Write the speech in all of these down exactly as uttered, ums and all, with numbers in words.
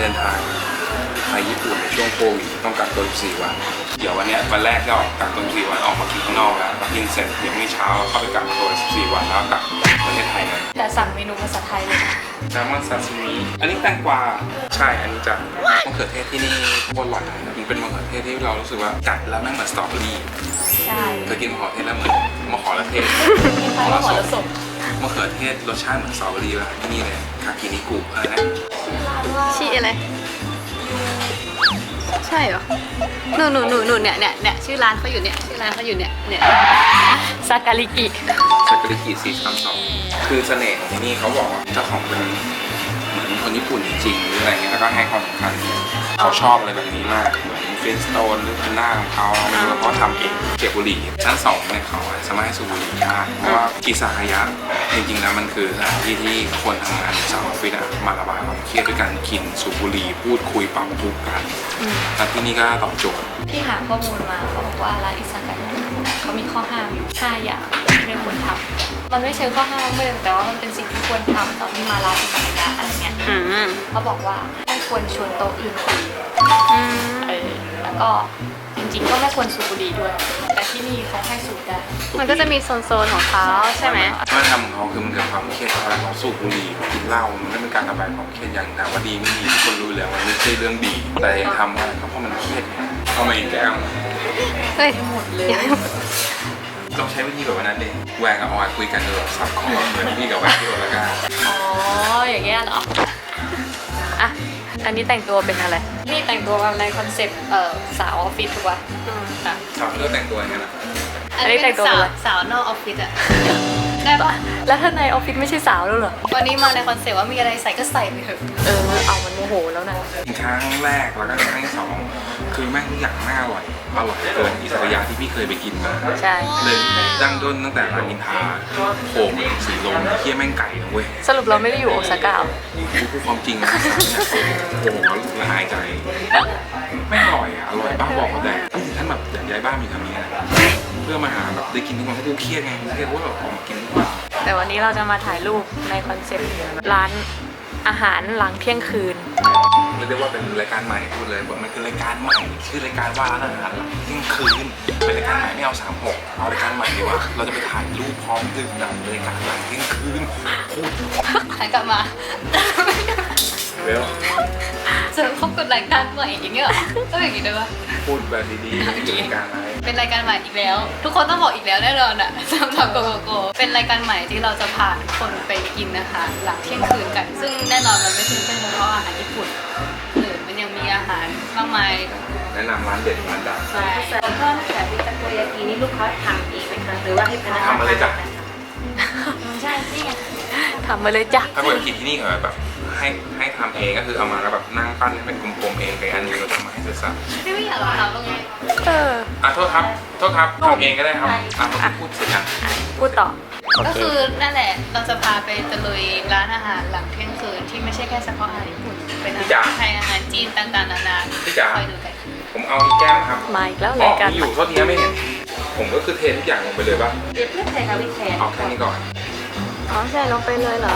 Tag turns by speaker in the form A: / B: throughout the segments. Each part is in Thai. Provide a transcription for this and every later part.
A: เดินทางไปญี่ปุ่นในช่วงโควิดต้องกักตัวสิบสี่วันเดี๋ยววันนี้วันแรกก็ออกกักตัวสิบสี่วันออกมากินข้างนอกแล้วกินเสร็จเดี๋ยวพรุ่งนี้เช้าเข้าไปกักตัวสิบสี่วันแล้วกลับประเทศไทยเลย
B: แต่สั่งเมนูภาษาไทยเลย
A: แซลมอนซาซิมิอันนี้แตงกวาใช่อันนี้จะมะเขือเทศที่นี่โคตรอร่อยมันเป็นมะเขือเทศที่เรารู้สึกว่ากัดแล้วแม่งเหมือนสตรอเบอรี่
B: ใช่
A: เคยกินมะเขือเทศแล้วเหมือนมะขอระเทศ
B: มะขอระสม
A: มะเขือเทศรสชาติเหมือนสตรอเบอรี่ป่ะที่นี่เลยคากินิกุอะไรนะ
B: ชีอะไรใช่เหรอหนูหนูหนูหนูเนี่ยเนี่ยเนี่ยชื่อร้านเขาอยู่เนี่ยชื่อร้านเขาอยู่เนี่ยเนี่ยซาการิกิ
A: ซาการิกิสี่สามสองคือเสน่ห์ของที่นี่เขาบอกว่าเจ้าของเป็นเหมือนคนญี่ปุ่นจริงๆหรืออะไรเงี้ยแล้วก็ให้ความสำคัญเขาชอบอะไรแบบนี้มากเหมือนฟินสโตนหรือพันหน้าของเขาไม่รู้ว่าเขาทำเองเก็บบุหรี่ชั้นสองเนี่ยเขาสามารถให้สูบบุหรี่ได้เพราะว่าอิซากายะจริงๆแล้วมันคือสถานที่ที่คนทำงานในสาวออฟฟิศมาระบายความเครียดด้วยการกินสูบบุหรี่พูดคุยปรับทุกข์กันแล้วที่นี่ก็ตอบโจทย์
B: พี่หาข้อมูลมาเขาบอกว่าร้านอิซากายะเขามีข้อห้ามอยู่ห้าอย่างไม่ควรทำมันไม่เชิงข้อห้ามไม่เลยแต่ว่ามันเป็นสิ่งที่ควรทำตอนที่มาร้านอิซากายะอะไรเงี้ยเขาบอกว่าไม่ควรชวนโต๊ะอื่นคุยเออแล้วก็จริงๆก็ไม่ควรสูบบุหรี่ด้วยแต่ที่นี่เขาให้สูบได้มันก็จะมีโซนๆของเขาใช่ไหม
A: วัฒนธรรมของเขาคือมันเกิดความเครียดเวลาเขาสูบบุหรี่กินเหล้ามันไม่เป็นการระบายความเครียดอย่างแต่ว่าดีไม่ดีทุกคนรู้แล้วมันไม่ใช่เรื่องดีแต่ยังทำว่าเพราะมันเครียดเอามาอีกแก้ว
B: เฮ้ยหมดเลย
A: ต้องใช้วิธีแบบนั้นเลยแหวงกับออยคุยกันเลยซับคอเหมือนพี่กับแหวงที่โอลาก้า
B: อ๋ออย่างเงี้ยเหรออ่ะอันนี้แต่งตัวเป็นอะไรนี่แต่งตัวในคอนเซ็ปต์เอ่อสาวออฟฟิศถูกป่ะ
A: สาวเลือกแต่งตัวอย่างเงี้ยนะ
B: อันนี้แต่งตัวเป็นสาวนอกออฟฟิศอะได้ปะแล้วถ้าในออฟฟิศไม่ใช่สาวแล้วเหรอวันนี้มาในคอนเซ็ปต์ว่ามีอะไรใส่ก็ใส่ไปเถอะเออเอามันโมโหแล้วนะ
A: ครั้งแรกแล้วก็ครั้งที่สองคือแม่งทุกอย่างน่าอร่อยอร่อยเกินอิสระยะที่พี่เคยไปกินมา
B: ใช่
A: เลยดั้งด้นตั้งแต่ร้านอินทาโป่งสีลมเคี่ยแม่งไก่นะเว้ย
B: สรุปเราไม่ได้อยู่โอซาก้า
A: พูดความจริงนะโอ้โหละอายใจไม่อร่อยอ่ะอร่อยบ้าบอกแต่พี่ถึงท่านแบบอยากย้ายบ้านมีคำนี้นะเพื่อมาหาแบบได้กินทุกวันเพราะกูเครียดไงเครียดว่าแบบออกมากินทุกวัน
B: แต่วันนี้เราจะมาถ่ายรูปในคอนเซ็ปต์ร้านอาหารหลังเที่ยงคืน
A: เรียกว่าเป็นรายการใหม่พูดเลยว่ามันคือรายการใหม่ชื่อรายการว่าร้านอาหารหลังเที่ยงคืนเป็นรายการใหม่ไม่เอาสามหกเอารายการใหม่ดีกว่าเราจะไปถ่ายรูปพร้อมดื่มด่ำรายการหลังเที่ยงคืนพูด
B: หันกลับมา
A: เวล
B: เจอเขากดรายการใหม่อย่างเงี้ยต้องอย่างงี้ด้วยปะ
A: พูดแบบดีๆเป็นรายการอะไร
B: เป็นรายการใหม่อีกแล้วทุกคนต้องบอกอีกแล้วแน่นอนอ่ะสำหรับโกโกโกเป็นรายการใหม่ที่เราจะพาทุกคนไปกินนะคะหลังเที่ยงคืนกันซึ่งแน่นอนมันไม่ใช่แค่เฉพาะอาหารญี่ปุ่นหรือมันยังมีอาหารมากมาย
A: แนะนำร้านเด็ดร้านดัง
B: ใช่แล้วก็แต่ที่ตะโกยากินี่ลูกค้าทำเองไหมคะหรือว่าให้พนักงาน
A: ทำมาเลยจ้ะ
B: ใช่นี่ไงทำมาเลยจ้ะ
A: ถ้าเกิดกินที่นี่เหรอแบบให้ให้ทำเองก็คือเอามาแล้วแบบนั่งปั้นให้เป็นกลมๆเองไปอันนึงเราทำมาให้เสร็จสับ
B: ไม่อยากทำตรงนี้เออ
A: อ่ะโทษครับโทษครับทำเองก็ได้ครับอ่ะพูดเสร็จยัง
B: พูดต่อก็คือนั่นแหละเราจะพาไปตะลุยร้านอาหารหลังเที่ยงคืนที่ไม่ใช่แค่เฉพาะอาหารญี่ปุ่นเป็นอาหารไทยอาหารจีนต่างๆนานาคอยดูกัน
A: ผมเอาอีกแก้มครับ
B: มาอีกแล้วรายการ
A: อยู่โทษทีไม่เห็นผมก็คือเททุกอย่างลงไปเลยป่ะ
B: เดี๋ยวเพื่อนใส่กับวิเศษ
A: เอาแค่นี้ก่อน
B: อ๋อใส่ลงไปเลยเหรอ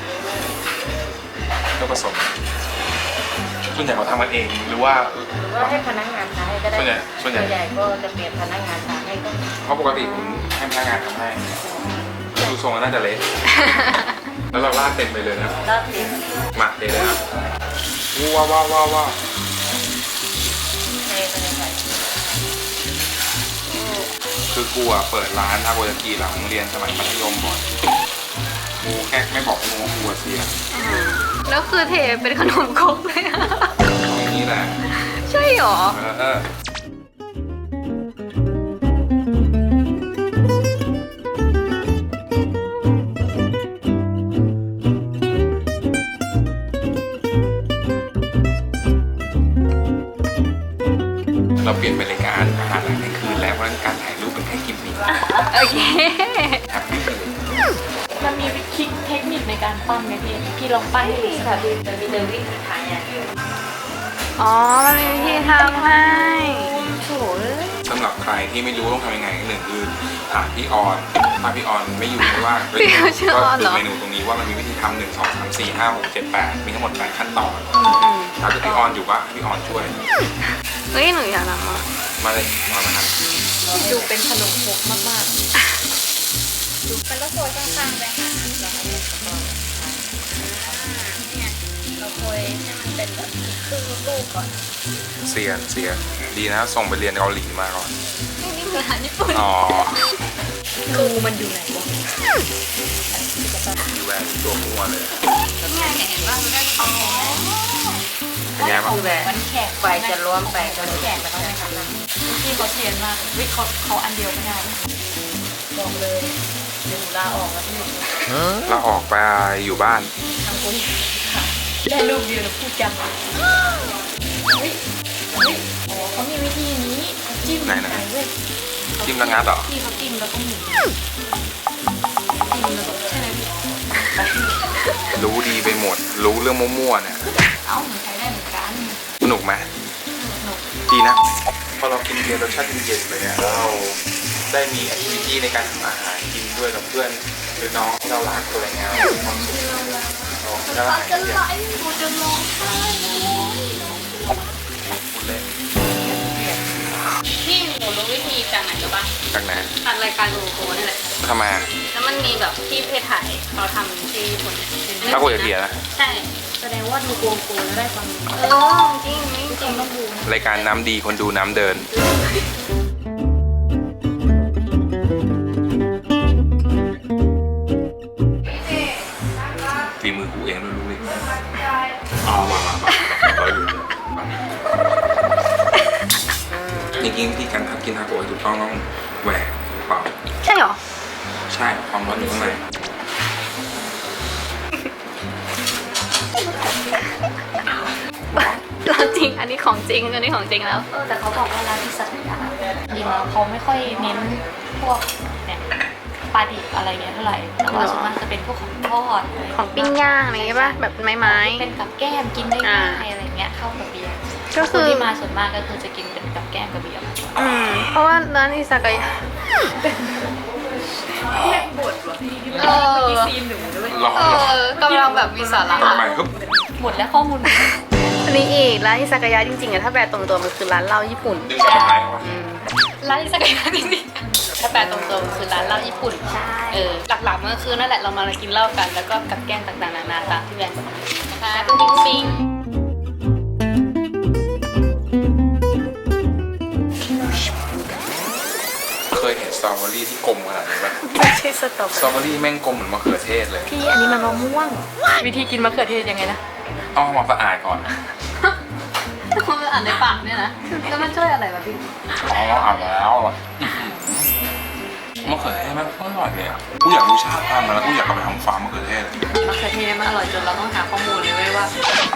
A: ก็ผสมส่วนใหญ่เขาทำกันเองหรือว่า
B: หรือว่าให้พนักงานทำให้ก็ได้
A: ส่วนใหญ่ส่วนใหญ่
B: ก็จะเปลี่ยนพนักงานทำให้ก็
A: เพราะปกติผมให้พนักงานทำให้ดูทรงน่าจะเละแล้วเราลาดเต็มไปเลยนะ
B: ลาดเต็ม
A: มาเต็มเลยครับว้าวว้าวว้าวว้าวคือกูอ่ะเปิดร้านทาโกยากิหลังเรียนสมัยมัธยมบ่อยกูแค่ไม่บอกกูว่ากูเสีย
B: แล้วคือเทเป็นขนมครกเลยอะ
A: ตรงนี้แหละ
B: ใช่หรอ
A: เออเราเปลี่ยนเป็นรายการอาหารหลังเที่ยงคืนแล้วเพราะการถ่ายรูปเป็นแค่กิมมิค
B: โอเค
A: แฮปปี้เลย
B: มันมีวิธีเทคนิคในการปั้นไหมพี่พี่ลองปั้นให้ดูค่ะมันมีวิธีทำอย่างอ๋อมันมีวิธีทำให้โถ่
A: สำหรับใครที่ไม่รู้ต้องทำยังไงหนึ่งคือถามพี่ออนถ้าพี่ออนไม่อยู่ไม่ว่างก็
C: พี่เขาชื่อออนเหรอ
A: ดูเมนูตรงนี้ว่ามันมีวิธีทำหนึ่งสองสามสี่ห้าหกเจ็ดแปดมีทั้งหมดแปดขั้นตอน
C: อืม
A: ถ้าเกิดพี่ออนอยู่ก็ให้พี่ออนช่วย
C: เฮ้ยหนูอยากทำอ่ะ
A: มาเลยมามาท
B: ดูเป็นขนมครกมากๆดูมันก็โรยข้างๆไปค่ะแล้วก็เนี่ยเราโรยให้มันเป็นแบบครึ่งลูกก่อน
A: ำเสียนเสียนดีนะส่งไปเรียนเกาหลีมาก่อน
B: นี่คืออาหารญี่ปุ่น
A: อ๋อ
B: รูมันอยู่ไหนวะ
A: มีแหวนตัวมั่วเลย
B: นี่ไงเห็นว่ามันได้อ๋อ
A: เป็นไงบ้าง
B: คือแบบมันแขกไปจะรวมไปจะแขกไปต้องไม่ทำนะพี่เขาเทียนมากวิเขาเขาอันเดียวไม่ได้บอกเลยเดี๋ยวหนูลาออกแล้วพี่
A: เราออกไปอยู่บ้าน
B: ทำกูได้ลูกเดียวแล้วพูดจำเฮ้ยเฮ้ยอ๋อเขามีวิธีนี้เขาจิ้ม
A: ไหนไหน
B: เว้ย
A: จิ้มแล้วงัดเหรอ
B: พี่เขาจิ้มแล้วก็หมุนจิ้มแล้วก็ใช่ไหมพี่
A: รู้ดีไปหมด รู้เรื่องมั่วๆเนี่ย
B: เอ้าหนูใช้ได้เหมือนกัน
A: สนุกไหม
B: หนู
A: ดีนะ พอเรากินเบียร์รสชาติเย็นๆไปเนี่ยเราได้มีแอคทิวิตี้ในการทำอาหารกินด้วยกับเพื่อนหรือน้องที่เรารักอะไรเงี้ยมีความสุขเราจะรัก
B: จะ
A: เนี่ย
B: ไหลหนูจะร้องไห้
A: พูดเล่น
C: พี่หนูรู้วิธีจากไหนรู้ปะ
A: จากไหน
C: จากรายการดูโกนี่แหละ
A: ทำไมอะ
C: แล้วมันมีแบบที่เพจถ่ายเขาทำที่ญี่ปุ่น
A: ถ้าคุยกับเบียร์นะ
C: ใช่
B: แสดงว่าดูโกงโกแล้วได้ความรู้
C: เออจริงจริงจริง
B: ต้องดูนะ
A: รายการน้ำดีคนดูน้ำเดิน ฝีมือกูเองด้วยรู้เลยเอามามามาร้อยหลุดจริงๆวิธีการทำกินทาโกะให้ถูกต้องต้องแหวกเปล่า
C: ใช่เหรอ
A: ใช่ความร้อนอยู่ข้างใน
C: เราจริงอันนี้ของจริงอันนี้ของจริงแล้ว
B: เออแต่เขาบอกว่าร้านที่สัตยาจริงแล้วเขาไม่ค่อยเน้นพวกเนี่ยปลาดิบอะไรเงี้ยเท่าไหร่แต่ว่าส่วนมากจะเป็นพวกของทอดอะไร
C: ของปิ้งย่างอะไรอย่างเงี้ยป่ะแบบไม้ไม้
B: เป็นกับแก้มกินได้ง่ายอะไรเงี้ยเข้ากับเบียร์
C: ก็
B: ค
C: คื
B: น
C: อ
B: ที่มาส่วนมากก็คือจะกินเป็นกับแก้มกับเบียร์มากกว่า
C: อืมเพราะว่าร้านอิซากายะ
B: เล่นบทวะพี่ที่
C: เออ
B: ที่ซีนหนูด้วย
A: ร้อน
C: เออกำลังแบบมีสาระ
A: ทำไมครับ
B: หมดแล้วข้อมูล
C: อันนี้อีกร้านอิซากายะจริงๆอะถ้าแปลตรงตัวมันคือร้านเหล้าญี่ปุ่น
A: ดึงกลับมาไหมวะ
C: อืม
B: ร้านอิซากายะจริงๆถ้าแปลตรงตัวมันคือร้านเหล้าญี่ปุ่นใช่
C: เออหลักๆมันก็คือนั่นแหละเรามากินเหล้ากันแล้วก็กับแกล้มต่างๆนานาตามที่แบรนด์บอกนะคะปิ๊งปิ๊งปิ๊ง
A: เคยเห็นสตรอเบอรี่ที่กลมขนาดนี้ปะ
C: ไม่ใช่สตรอเบ
A: ส
C: อ
A: ตรอ
C: รี่
A: เบอรี่แม่งกลมเหมือนมะเขือเทศเลย
B: พี่อันนี้มันมะม่วง วิธีกินมะเขือเทศยังไงนะ
A: เอามาสะอาดก่อน
C: มันอ่านในปากเนี่ยนะแล้วมันช่วยอะไรวะพี่
A: อ๋อเอาแล้วมะเขือเทศมันอร่อยเลยอ่ะกูอยากรู้ชาติพันธุ์มันแล้วกูอยากกลับไปทำฟาร์มมะเขือเทศ
B: มะเขือเทศมันอร่อยจนเราต้องหาข้อมูลเลยเว้ยว่า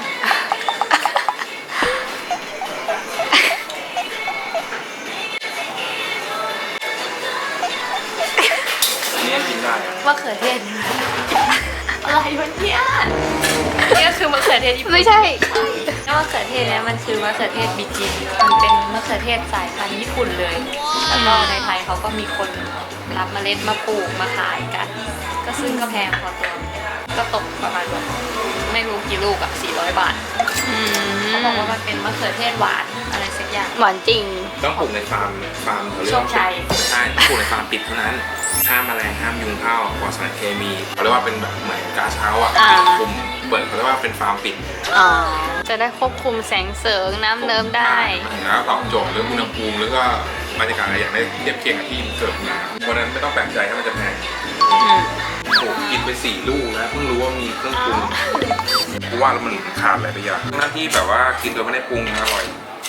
A: อันนี้กินได้อะ
B: มะเขือเทศอะไรวะเนี่ยนี่ก็คือมะเขือเทศญี่ปุ่น
C: ไม่ใช่
B: แล้วมะเขือเทศเนี่ยมันคือมะเขือเทศบิจินมันเป็นมะเขือเทศสายพันธุ์ญี่ปุ่นเลย แล้วก็ในไทยเขาก็มีคนรับเมล็ดมาปลูกมาขายกัน ก็ซึ่งก็แพงพอตัว ก็ตกประมาณแบบไม่รู้กี่ลูกอะสี่ร้อยบาท
C: อืม
B: เขาบอกว่ามันเป็นมะเขือเทศหวานอะไรสักอย่าง
C: หวานจริง
A: ต้องปลูกในฟาร์มฟาร์มเขาเรียกว่า
B: โชคชัย
A: ใช่ปลูกในฟาร์มปิดเท่านั้นห้ามแมลงห้ามยุงเข้าปลอดสารเคมีเขาเรียกว่าเป็นแบบเหมือนกาเช้าอ่ะ
C: อ่า
A: ปิดคุมเปิดเขาเรียกว่าเป็นฟาร์มปิด
C: อ๋อ จะได้ควบคุมแสงเสริงน้ำเนิ้มได้
A: แล้วตอบโจทย์เรื่องอุณหภูมิแล้วก็บรรยากาศอะไรอย่างได้เทียบเคียงกับที่เกิดมาเพราะฉะนั้นไม่ต้องแปลกใจถ้ามันจะแพง
C: อืม
A: โอ้กินไปสี่ลูกแล้วเพิ่งรู้ว่ามีเครื่องปรุงกูว่าแล้วมันขาดอะไรไปอย่างหน้าที่แบบว่ากินโดยไม่ได้ปรุงยังอร่อย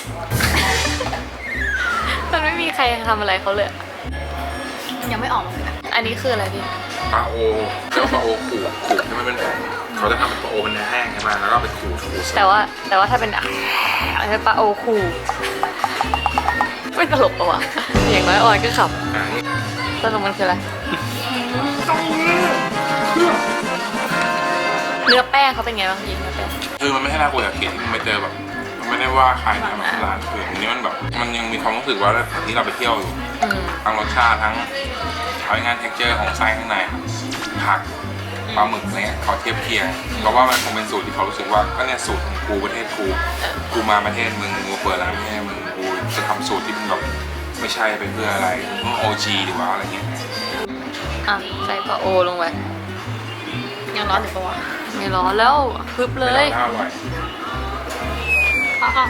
B: มันไม่มีใครทำอะไรเขาเลยอะมันยังไม่ออกมาเลยอะอันนี้คืออะไรพี่
A: ปลาโอแล้วปลาโอขูดขูดให้มันเป็นผงเขาจะทำเป็นปลาโอเป็นเนื้อแห้งใช่ไหมแล้วก็ไปขูดขูด
B: แต่ว่าแต่ว่าถ้าเป็นอะไรปลาโอคูไม่ตลกปะวะอย่างน้อยออยก็ขับ
A: อ่า
B: สรุปมันคืออะไร เนื้อแป้งเขาเป็นไงบ้างพี่เนื้อแป้ง
A: คือมันไม่ใช่น่ากลัวอย่างเกลียดที่มันไปเจอแบบมันไม่ได้ว่าใครนะแบบร้านอื่นอันนี้มันแบบมันยังมีความรู้สึกว่าเหมือนที่เราไปเที่ยวอยู่
C: อืม
A: ทั้งรสชาติทั้งเอางานเท็กเจอร์ของไส้ข้างในผักปลาหมึกอะไรเงี้ยเขาเทียบเคียงเพราะว่ามันคงเป็นสูตรที่เขารู้สึกว่าก็เนี่ยสูตรของกูประเทศกูกูมาประเทศมึงกูเปิดร้านประเทศมึงกูจะทำสูตรที่มันแบบไม่ใช่เป็นเพื่ออะไรโอจีดีกว่าอะไรเงี้ย
C: อ่ะใส่ปลาโอลงไปยังร้อนอยู่ปะวะไม่ร้อนแล้วพึบเล
A: ไม่
C: ย
A: ร้อนอร่อย
C: อ่ะอ่ะ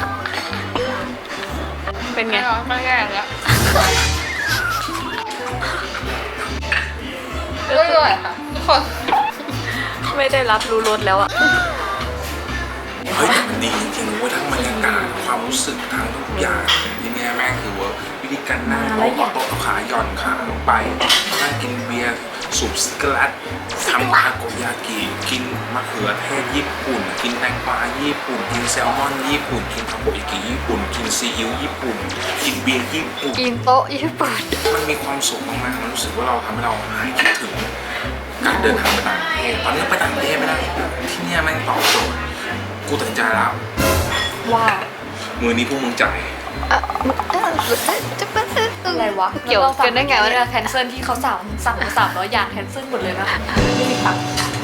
C: เป็นไงไม่แย่แล้วอร่อยค่ะทุกคนไม่ได้รับรู้รสแล้วอ่ะ
A: เฮ้ยแต่มันดีจริงๆเว้ยทั้งบรรยากาศความรู้สึกทั้งทุกอย่างที่เนี่ยแม่งคือว่าวิธีการนั่งโต๊ะโต๊ะขาหย่อนขาลงไปนั่งกินเบียร์สูบซิกาลัดทำทาโกยากิกินมะเขือเทศญี่ปุ่น กินแตงกวาญี่ปุ่นกินแซลมอนญี่ปุ่นกินทาโกยากิญี่ปุ่นกินซีอิ๊วญี่ปุ่นกินเบียร์ญี่ปุ่น
C: กินโต๊ะญี่ปุ่น
A: มันมีความสุขมากๆมันรู้สึกว่าเราทำให้เราหายคิดถึงการเดินทางไปต่างประเทศตอนนี้ไปต่างประเทศไม่ได้ที่เนี่ยแม่งตอบโจทย์กูตัดสินใจแล้ว
B: ว่า
A: มือนี้พวกมึงจ่าย
B: อะไรวะ
C: เกี่ยวกันได้ไงวะ
B: แคนเซิลที่เขาสั่งสั่งมาสามร้อยอย่างแคนเซิลหมดเลยนะไม่มีตังค์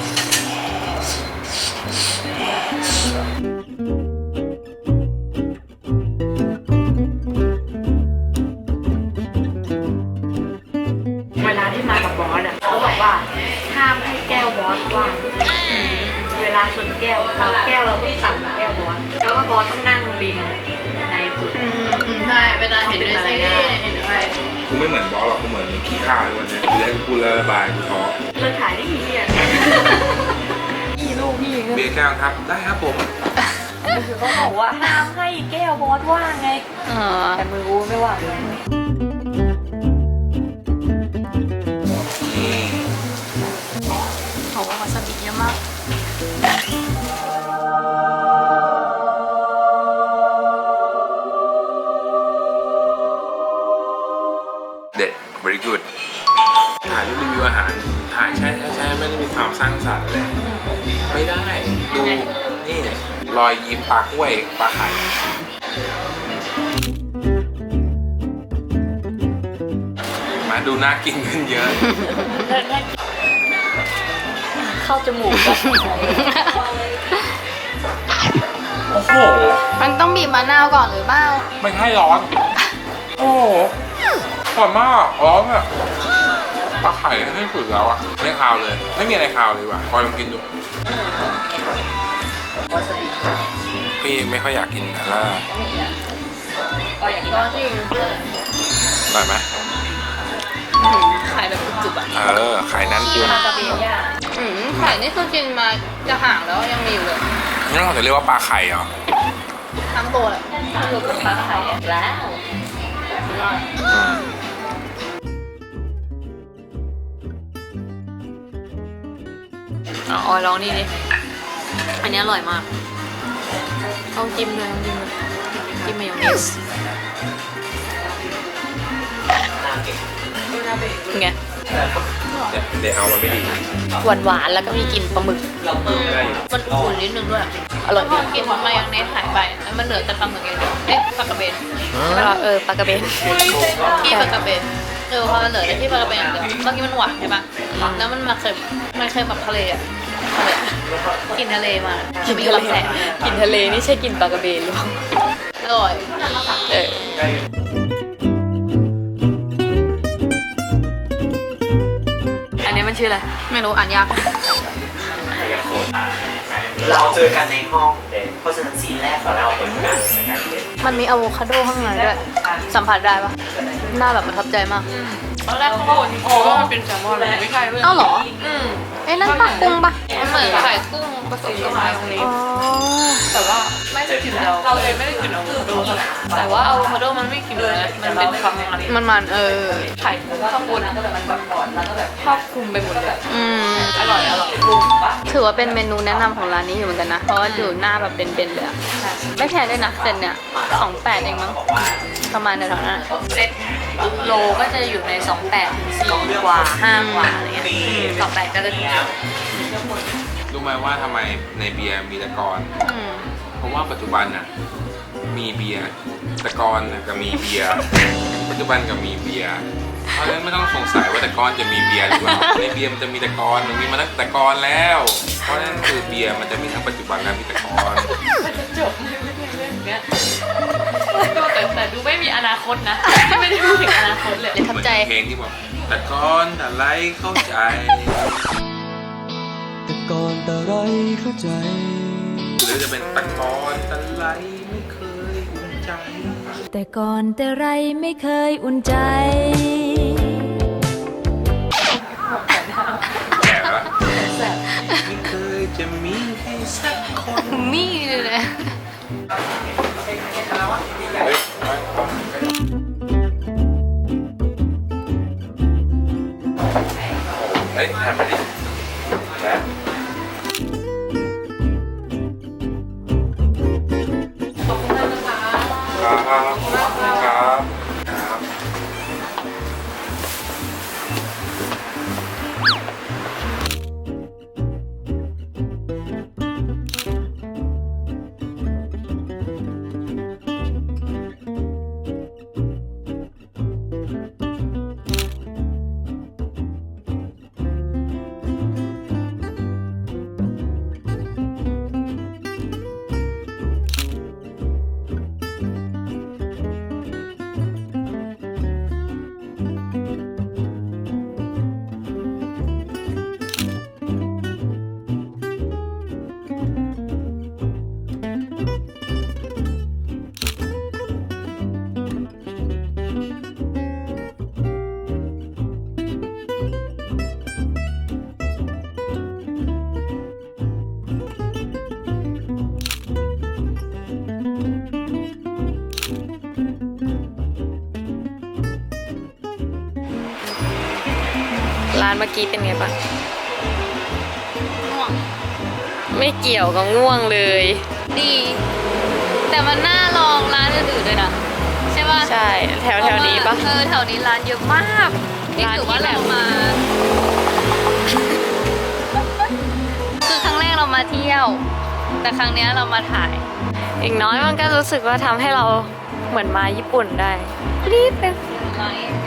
B: เวลาที่มากับบอสอ่ะเขาบอกว่าห้ามให้แก้วบอสว่างเวลาชนแก้วเราแก้วเราต้องสั่งแก้วบอสแล้วก็บอสต้องนั่งริมในสุด
C: ใช่เวลาเห็นด้วยซีรีส์เห็นด้วย
A: กูไม่เหมือนบอสหรอกกูเหมือนขี้ข้าเลยวันนี้กูเลยกูเลยระบายกูท้อ
B: เลิกขายได้กี่เนี่ยกี่ลูกพี่
A: เบียร์แก้วครับได้ครับผม
B: คือเขาบอกว่าห้ามให้แก้วบอสว่างไง
C: เออ
B: แต่มือกูไม่ว่างเลย
A: นี่
C: โหวาซาบิเยอะมาก
A: เด็ด very good ถ่ายรูปรีวิวอาหารถ่ายแช่แช่แช่ไม่ได้มีความสร้างสรรค์เลยไม่ได้ดูนี่รอยยิ้มปลากล้วยปลาไข่มาดูน่ากินขึ้นเยอะ
B: เข้าจมูกอะ
A: โอ้โห
C: มันต้องบีบมะนาวก่อนหรือเปล่า
A: ไม่ให้ร้อน โอ้โหร้อนมากร้อนอ่ะปลาไข่ให้สุดแล้วอ่ะไม่คาวเลย ไม่มีอะไรคาวเลยว่ะคอยลองกินดูพี่ไม่ค่อยอยากกินนะล่ะ
B: ก็อย่างนี้
C: ก็จริง
A: อร่อยไหม
C: ขายแบบจุกๆอ่ะ
A: เออไข่นั้นกิน
B: ปลากระเบนย่าง
C: อืมไข่นี่คือกินมาจะห่างแล้วยังมีอยู่เลย
A: นี่เราจะเรียกว่าปลาไข่เหรอ
C: ทั้งตัวเลย
B: คือเป็นปลาไข่อะแล้ว
A: อืม
C: อ๋อลองนี่ดิอันนี้อร่อยมากต้องจิ้มเลยต้องจิ้มเลยจิ้มมายองเนสเป็นไง
A: เดี๋ยวเดี๋ยวเอามันไม่ดี
C: หวานหวานๆแล้วก็มีกลิ่นปลาหมึก
A: ได้อยู่
C: มันอุ่นนิดนึงด้วย อร่อยดีกินมายองเนสหายไปแล้วมันเหลือแต่ปลาหมึกอย่างเดียวเอ๊ะปลากระเบนใช่ไหมเออปลากระเบนที่ปลากระเบนเออพอมันเหลือแต่ที่ปลากระเบนอย่างเดียวเมื่อกี้มันหวานใช่ปะแล้วมันมาเค็มมันเค็มแบบทะเลอ่ะกินทะเลมากินทะเลกินทะเลนี่ใช่กินปลากระเบนหรือเปล่าอร่อยเอออันนี้มันชื่ออะไรไม่รู้อ่านยาก
D: เราเจอกันในห้องเด็กเพราะฉะนั้นซีนแรกของเราเป็นการในการเรียน
C: มันมีอะโวคาโดข้างในด้วยสัมผัสได้ปะหน้าแบบประทับใจมาก
B: ตอนแรกเขาบอกโอ้ว่ามันเป็นแซลมอนเลยไม่ใช่เว้ย
C: เอ้าเหรอ
B: อืม
C: เอ้ยนั่นปลากุ้งปะ
B: มันเหมือนไข่กุ้งผสมกับมายองเนส
C: อ๋อ
B: แต่ว่าไม่ได้กลิ่นเราเราเลยไม่ได้กลิ่นอะโวคาโดเท่าไหร่แต่ว่าอะโวคาโดมันไม่กลิ่นเลยนะมันเป็นความมัน
C: มันมันเออ
B: ไข่ข้างบนมันแบบครอบคลุมไปหมดเลย
C: อืม
B: อร่อยอร่อยปรุงปะ
C: ถือว่าเป็นเมนูแนะนำของร้านนี้อยู่เหมือนกันนะ เพราะว่าอยู่หน้าแบบเป็นๆเลยอะไม่แพงด้วยนะเซนเนี่ยสองแปดเองมั้งประมาณแถวๆนั้นอะ
B: เซ็ตโลก็จะอยู่ในสองแปดถึงสี่กว่าห้ากว่าอะไรเงี้ยสองแปดก็จะถูก
A: รู้ไหมว่าทำไมในเบียร์มีตะกอน
C: อืม
A: เพราะว่าปัจจุบันน่ะมีเบียร์ตะกอนน่ะก็มีเบียร์ปัจจุบันก็มีเบียร์เพราะฉะนั้นไม่ต้องสงสัยว่าตะกอนจะมีเบียร์หรือเปล่าในเบียร์มันจะมีตะกอนมันมีมาตั้งแต่ตะกอนแล้ว เพราะฉะนั้นคือเบียร์มันจะมีทั้งปัจจุบันและมีตะกอน
B: มันจะจบเลยไม่ได้เรื่องเนี้ยแต่แต่ดูไม่มีอนาคตนะ ไม่ได้พูดถึงอนาคตเลย
C: เลยทับใจ
A: เหมือนเพลงที่บอกตะกอนอะไรเข้าใจ
E: แต่ก่อนแต่ไรเข้าใจ
A: หรือจะเป็นตะกอนอะไรไม่เคยอุ่นใจ
F: แต่ก่อนแต่ไรไม่เคยอุ่นใจ
A: แก่ละไม่เคยจะมีให้สักคน
C: นี่เลยนะ
A: เฮ้ยเฮ้ยทำไปดินะ
B: ขอบคุณมากนะคะ
A: ครับครับครับ
C: ร้านเมื่อกี้เป็นไงบ้างง่วง ไม่เกี่ยวกับง่วงเลย ดี แต่มันน่าลองร้านอื่นๆด้วยนะ ใช่ป่ะ ใช่ แถวแถวนี้ปะเออแถวนี้ร้านเยอะมากนี่ถือว่าเรามา คือครั้งแรกเรามาเที่ยว แต่ครั้งเนี้ยเรามาถ่าย อีกน้อยมันก็รู้สึกว่าทำให้เราเหมือนมาญี่ปุ่นได้นิดนึง